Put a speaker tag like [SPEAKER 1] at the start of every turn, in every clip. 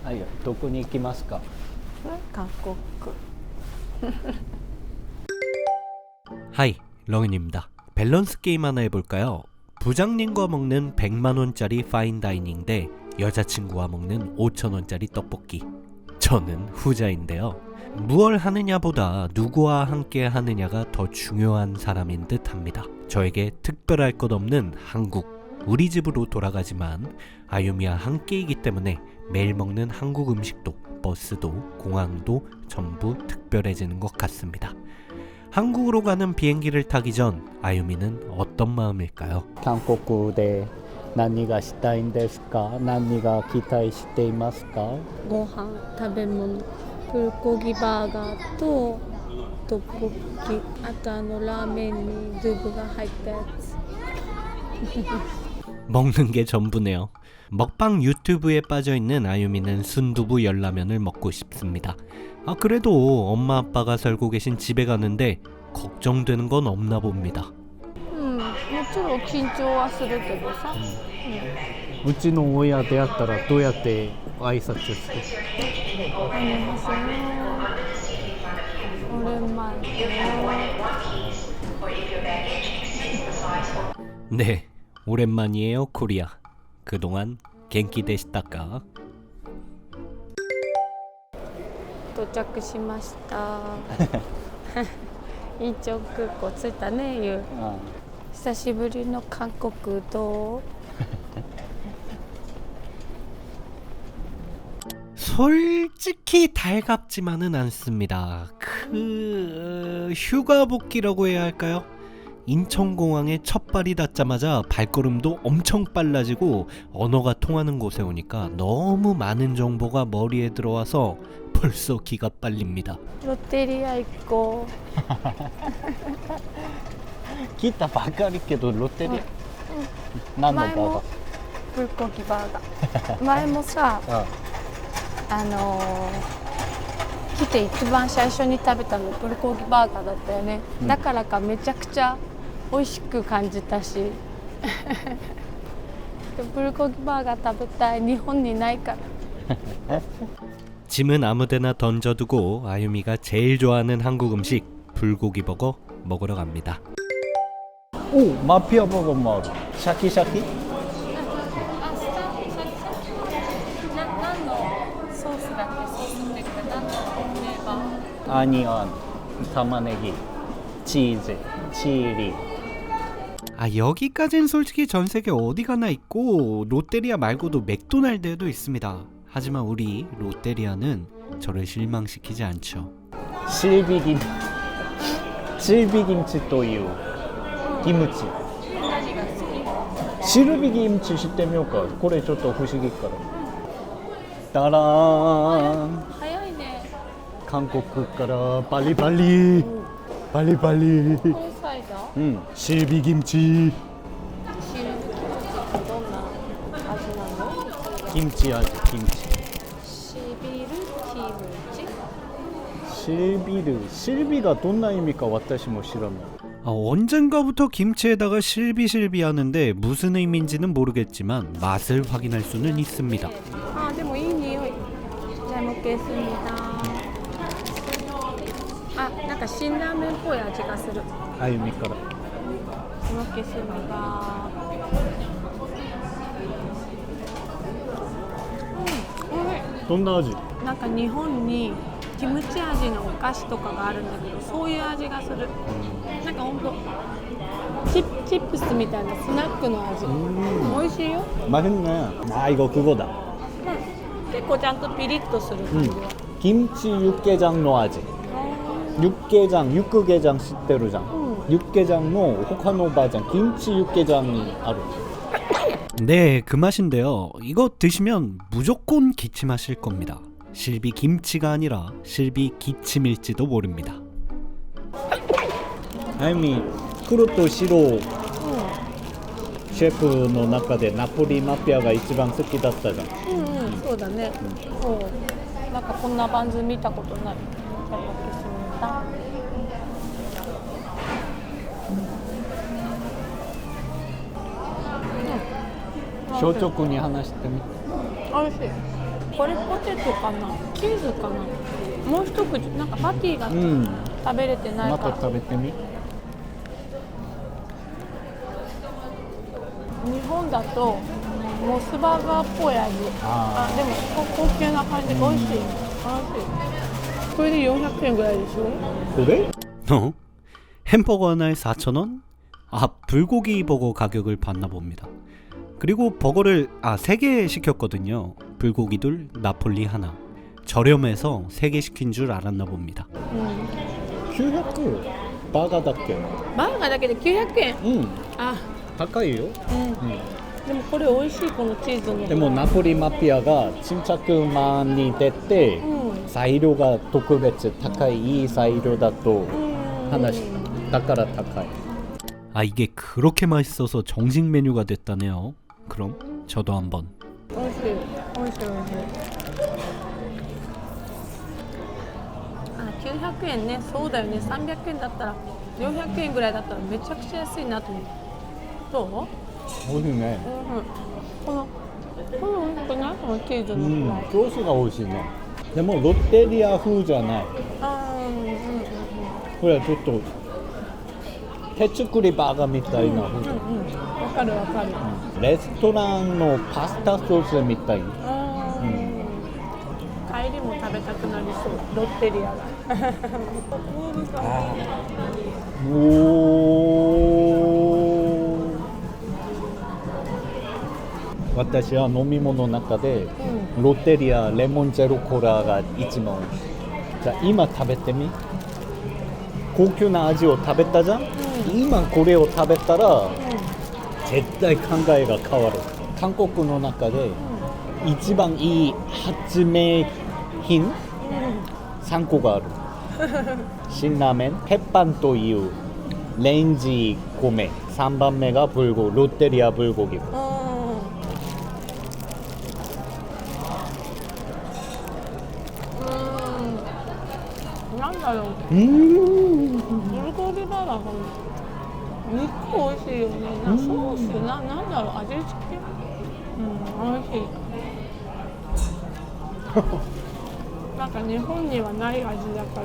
[SPEAKER 1] はい、どこに行きますか？
[SPEAKER 2] 韓国.
[SPEAKER 3] 하이, 렁인입니다. 밸런스 게임 하나 해볼까요? 부장님과 먹는 100만원짜리 파인다이닝 대 여자친구와 먹는 5천원짜리 떡볶이. 저는 후자인데요. 무얼 하느냐보다 누구와 함께 하느냐가 더 중요한 사람인 듯 합니다. 저에게 특별할 것 없는 한국, 우리 집으로 돌아가지만 아유미와 함께이기 때문에 매일 먹는 한국 음식도, 버스도, 공항도 전부 특별해지는 것 같습니다. 한국으로 가는 비행기를 타기 전 아유미는 어떤 마음일까요?
[SPEAKER 1] 韓国で何がしたいんですか？何が期待していますか？
[SPEAKER 2] ご飯、食べ物、プルコギバーガーとトッポッキ、あとラーメンにドゥブが入ったやつ.
[SPEAKER 3] 먹는 게 전부네요. 먹방 유튜브에 빠져있는 아유미는 순두부 열라면을 먹고 싶습니다. 그래도 엄마 아빠가 살고 계신 집에 가는데 걱정되는 건 없나 봅니다.
[SPEAKER 2] もちろん緊張はするけどさ.
[SPEAKER 1] うちの親であったらどうやって挨拶する？
[SPEAKER 2] 안녕하세요. 오랜만이에요.
[SPEAKER 3] 네, 오랜만이에요 코리아. 그동안 겐키 되시다까?
[SPEAKER 2] 到着しました. 인천空港着いたね、ゆう. 久しぶりの韓国どう?
[SPEAKER 3] 솔직히 달갑지만은 않습니다. 휴가 복귀라고 해야 할까요? 인천공항에 첫 발이 닿자마자 발걸음도 엄청 빨라지고 언어가 통하는 곳에 오니까 너무 많은 정보가 머리에 들어와서 벌써 기가 빨립니다.
[SPEAKER 2] 롯데리아 있고.
[SPEAKER 1] 来たばかりけどロッテリア、何のバーガー？
[SPEAKER 2] 前もプルコギバーガー。前もさ、来て一番最初に食べたのプルコギバーガーだったよね。だからかめちゃくちゃ美味しく感じたし。プルコギバーガー食べたい。日本にないから。
[SPEAKER 3] 짐은 아무데나 던져두고 아유미가 제일 좋아하는 한국 음식 불고기 버거 먹으러 갑니다.
[SPEAKER 1] 오, 마피아 버거もある。シャキシャキ？
[SPEAKER 2] 何のソースだっけ？ソースっていうか何のフレーバー？
[SPEAKER 1] アニオン、玉ねぎ、チーズ、チリ。
[SPEAKER 3] 여기까진 솔직히 전세계 어디 가나 있고 롯데리아 말고도 맥도날드에도 있습니다. 하지만 우리 롯데리아는 저를 실망시키지 않죠.
[SPEAKER 1] シルビギムチというキムチ。シルビギムチ知ってみようか。これちょっと不思議から。ダラーン。
[SPEAKER 2] 早いね。
[SPEAKER 1] 韓国からバリバリバリバリ。
[SPEAKER 2] これサイダー？
[SPEAKER 1] うん。シルビギムチ。
[SPEAKER 2] シルビキムチってどんな味なの？
[SPEAKER 1] キムチ味、キムチ。
[SPEAKER 2] シビルキムチ？
[SPEAKER 1] シルビがどんな意味か私も知らない。
[SPEAKER 3] 언젠가부터 김치에다가 실비실비 하는데 무슨 의미인지는 모르겠지만 맛을 확인할 수는 있습니다.
[SPEAKER 2] でもいい匂い。잘 먹겠습니다. なんか辛ラーメンっぽい味がする。
[SPEAKER 1] あゆみから。
[SPEAKER 2] 잘 먹겠습니다.
[SPEAKER 1] どんな味？
[SPEAKER 2] なんか日本にキムチ味のお菓子とかがあるんだけど、そういう味がする。なんかほんとチップスみたいなスナックの味。美味しいよ。
[SPEAKER 1] 맛있네. 이거 그거다.
[SPEAKER 2] 結構ちゃんとピリッとする感じは。
[SPEAKER 1] 김치 육개장の味. 육개장知ってるじゃん. 육개장の他のバージョン 김치 육개장이 ある.
[SPEAKER 3] 네, 그 맛인데요. 이거 드시면 무조건 기침하실 겁니다. 실비 김치가 아니라 실비 기침일지도 모릅니다.
[SPEAKER 1] あゆみ、黒と白シェフの中でナポリマピアが一番好きだったじゃん。
[SPEAKER 2] そうだね。そう。なんかこんなバンズ見たことない。잘 먹겠습니다. 率直に話してみ。 美味しい。 これポテトかなチーズかなもう一口なんかパティが
[SPEAKER 1] うん
[SPEAKER 2] 食べれてない
[SPEAKER 1] ま
[SPEAKER 2] から、
[SPEAKER 1] た食べてみ。
[SPEAKER 2] 日本だとモスバーガーっぽい味。
[SPEAKER 1] あー
[SPEAKER 2] でも高級な感じ。美味しい。美味しい。これで400円ぐらいでしょ。
[SPEAKER 1] 그래?
[SPEAKER 3] 어? 햄버거 하나에 4,000원? 아, 불고기 버거 가격을 봤나 봅니다. 그리고 버거를 3개 시켰거든요. 불고기 둘, 나폴리 하나. 저렴해서 3개 시킨 줄 알았나 봅니다.
[SPEAKER 1] 900バーガーだっけ？
[SPEAKER 2] バーガーだけで900円。
[SPEAKER 1] うん
[SPEAKER 2] あ、
[SPEAKER 1] 高いよ。
[SPEAKER 2] でもこれ美味しいこのチーズの。
[SPEAKER 1] でもナポリマピアが沈着マンに出て、材料が特別高いいい材料だと話だから高い。
[SPEAKER 3] 아, 이게 그렇게 맛있어서 정식 메뉴가 됐다네요. 그럼 저도 한번.
[SPEAKER 2] 美味しい。美味しい美味しい。900円ね。そうだよね。300円だったら400円ぐらいだったらめちゃくちゃ安いなと思う。どう？
[SPEAKER 1] 美味しいね。
[SPEAKER 2] この美味しくない？このチーズの。
[SPEAKER 1] ソースが美味しいね。でもロッテリア風じゃない。これはちょっと手作りバーガーみたいな風。
[SPEAKER 2] わかるわかる。
[SPEAKER 1] レストランのパスタソースみたい。
[SPEAKER 2] 帰りも食べたくなりそう。ロッテリアが。
[SPEAKER 1] 私は飲み物の中で、ロッテリアレモンゼロコーラが一番美味しい。じゃあ今食べてみ。高級な味を食べたじゃん、今これを食べたら、絶対考えが変わる。韓国の中で、一番いい発明品、3個がある。辛ラーメン、鉄板というレンジ米、3番目がロッテリアブルゴギ。
[SPEAKER 2] なんだろう。ブルゴギバーガー肉美味しいよね。ソースなんだろう、味付け。美味しい。なんか日本にはない味だから、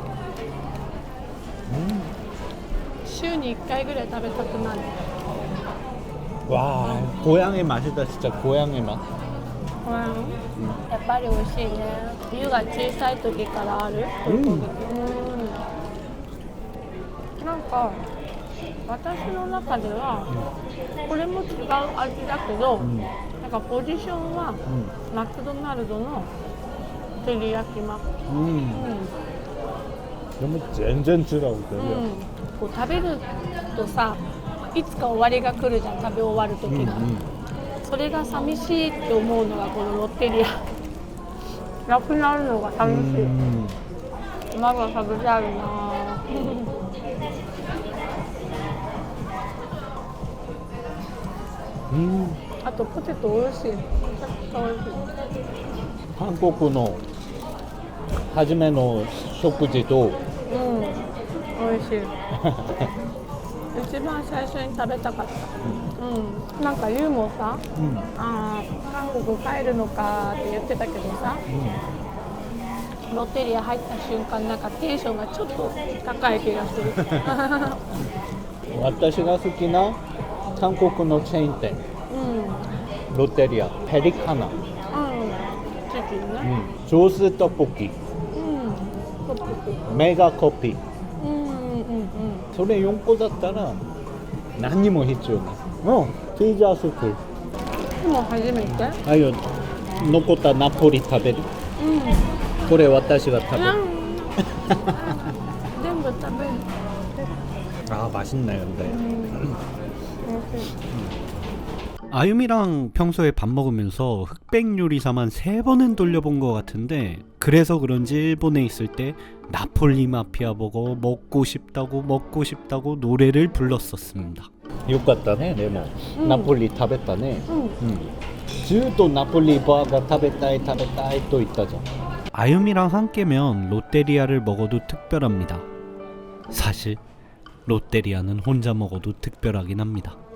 [SPEAKER 2] 週に1回ぐらい食べたくなる。
[SPEAKER 1] 와, 고향의 맛이다. 진짜 고향의 맛.
[SPEAKER 2] やっぱり美味しいね。湯が小さい時からある。なんか私の中ではこれも違う味だけど、なんかポジションはマクドナルドの照り焼きマック。
[SPEAKER 1] でも全然違う。
[SPEAKER 2] こう食べるとさ、いつか終わりが来るじゃん。食べ終わる時が。それが寂しいって思うのがこのロッテリア。なくなるのが寂しい。まだ食べたいな。あとポテト美味しい。めちゃくちゃ美味しい。
[SPEAKER 1] 韓国の初めの食事と、
[SPEAKER 2] 美味しい。一番最初に食べたかった。なんかユウもさ、韓国帰るのかって言ってたけどさ、ロッテリア入った瞬間なんかテンションがちょっと高い気がする。
[SPEAKER 1] 私が好きな韓国のチェーン店、ロッテリアペリカナ、
[SPEAKER 2] チキンね、
[SPEAKER 1] 上手トッポキ、メガコピ、それ4個だったら何にも必要ない。ピザスク。
[SPEAKER 2] でも初めて。
[SPEAKER 1] あよ、残ったナポリ食べる。これ私が食べる。
[SPEAKER 2] 全部食べる。
[SPEAKER 1] 아 맛있네요. 근데.
[SPEAKER 3] 아유미랑 평소에 밥 먹으면서 흑백 요리사만 3번은 돌려본 것 같은데, 그래서 그런지 일본에 있을 때 나폴리 마피아 버거 먹고 싶다고 노래를 불렀었습니다.
[SPEAKER 1] よかったね。でも、ナポリ食べたね。ずっとナポリバーガー食べたいと言ったじゃん。
[SPEAKER 3] 아유미랑 함께면 롯데리아를 먹어도 특별합니다. 사실 롯데리아는 혼자 먹어도 특별하긴 합니다.